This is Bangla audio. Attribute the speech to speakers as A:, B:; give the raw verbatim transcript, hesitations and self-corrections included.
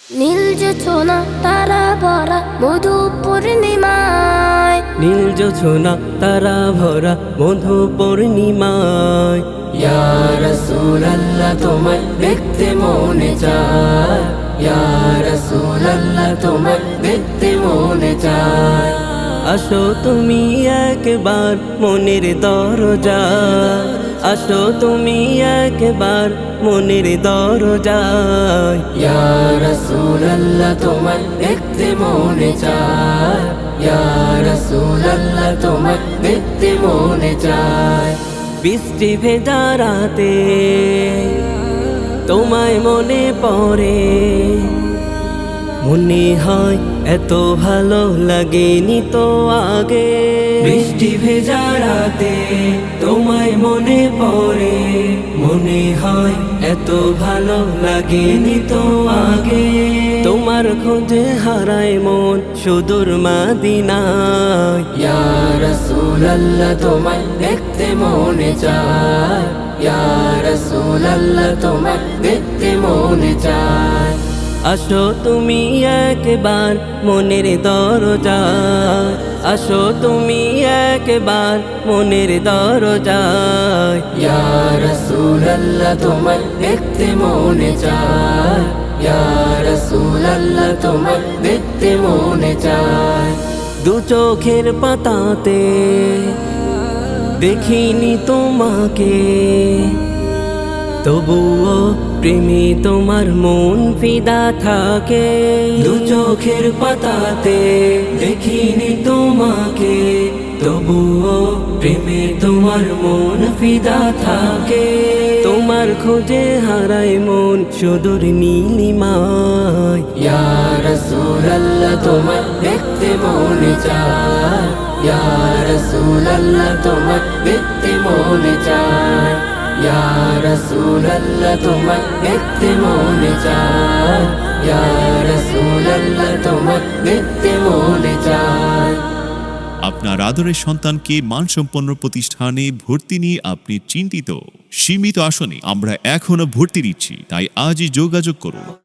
A: নীল জোছনা তারা ভরা মধু পূর্ণিমায়,
B: নীল জোছনা তারা ভরা মধু পূর্ণিমায়।
C: ইয়া রাসূলুল্লাহ তোমায় দেখতে মনে চায়, ইয়া রাসূলুল্লাহ তোমায় দেখতে মনে চায়।
B: আসো তুমি একবার মনের দরজায়, আসো তুমি একবার মনের দরজায়।
C: ইয়া রাসূলুল্লাহ তোমায় দেখতে মনে চায়, ইয়া রাসূলুল্লাহ তোমায় দেখতে মনে চায়।
B: বৃষ্টি ভেজা রাতে তোমায় মনে পড়ে, মনে হয় এত ভালো লাগেনি তো আগে। বৃষ্টি ভেজা রাতে তোমায় মনে পড়ে, মনে হয় এত ভালো লাগেনি তো আগে। তোমার খোঁজে হারায় মন সুদূর মদিনায়।
C: ইয়া রাসূলুল্লাহ তোমায় দেখতে মনে চায়, ইয়া রাসূলুল্লাহ তোমায় দেখতে মনে চায়।
B: আসো তুমি একবার মনের দরজায়, আসো তুমি একবার মনের দরজায়।
C: ইয়া রাসূলুল্লাহ তোমায় দেখতে মনে চায়, ইয়া রাসূলুল্লাহ তোমায় দেখতে মনে চায়।
B: দু চোখের পাতাতে দেখিনি তোমাকে, তবুও প্রেমে তোমার মন ফিদা থাকে। দু চোখের পাতাতে দেখিনি তোমাকে, তবুও প্রেমে তোমার মন ফিদা থাকে। তোমার খোঁজে হারায় মন সুদূর নীলিমায়।
C: ইয়া রাসূলুল্লাহ তোমায় দেখতে মনে চায়, ইয়া রাসূলুল্লাহ তোমায় দেখতে মনে চায়। ইয়া রাসূলুল্লাহ তোমায় দেখতে মনে চায়, ইয়া রাসূলুল্লাহ তোমায় দেখতে মনে চায়।
D: আপনার আদরের সন্তানকে মানসম্পন্ন প্রতিষ্ঠানে ভর্তি নিয়ে আপনি চিন্তিত? সীমিত আসনে আমরা এখনো ভর্তি নিচ্ছি, তাই আজই যোগাযোগ করুন।